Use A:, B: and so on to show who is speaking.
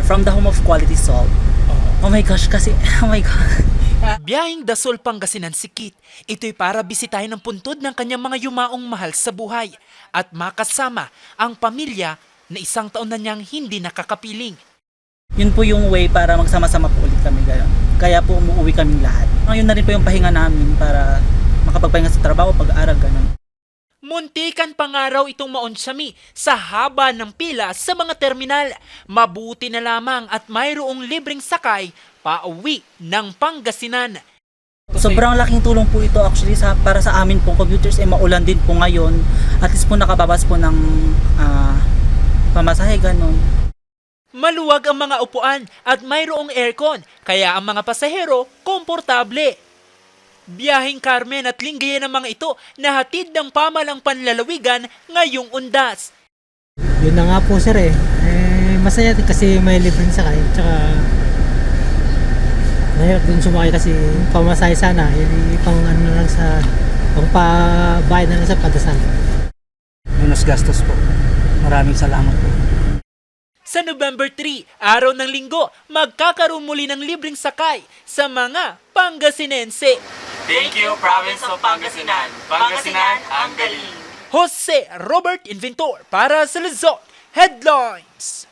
A: From the home of quality salt. Oh my gosh, kasi, oh my God.
B: Biyaheng Dasol, Pangasinan si Kit. Ito'y para bisitahin ang puntod ng kanyang mga yumaong mahal sa buhay at makasama ang pamilya na 1 taon na niyang hindi nakakapiling.
A: Yun po yung way para magsama-sama po ulit kami gano'n. Kaya po umuwi kaming lahat. Ngayon na rin po yung pahinga namin para makapagpahinga sa trabaho, pag-aaral, gano'n.
B: Muntikan pangaraw itong maonsami sa haba ng pila sa mga terminal. Mabuti na lamang at mayroong libreng sakay pauwi ng Pangasinan.
A: Sobrang laking tulong po ito actually para sa amin pong commuters, maulan din po ngayon. At least po nakababas po ng pamasahe, gano'n.
B: Maluwag ang mga upuan at mayroong aircon, kaya ang mga pasahero komportable. Biyaheng Carmen at Lingayen ng mga ito na hatid ng pamalang panlalawigan ngayong undas.
C: Yun na nga po sir masaya din kasi may libreng sakay. Tsaka mahirap din sumakay kasi pamasahe sana. Pang ano na lang sa pang pabayad na lang sa padasal.
D: Minus gastos po. Maraming salamat po.
B: Sa November 3, araw ng linggo, magkakaroon muli ng libreng sakay sa mga Pangasinense.
E: Thank you, Province of Pangasinan. Pangasinan, ang galing!
B: Jose Robert Inventor para sa Luzon Headlines.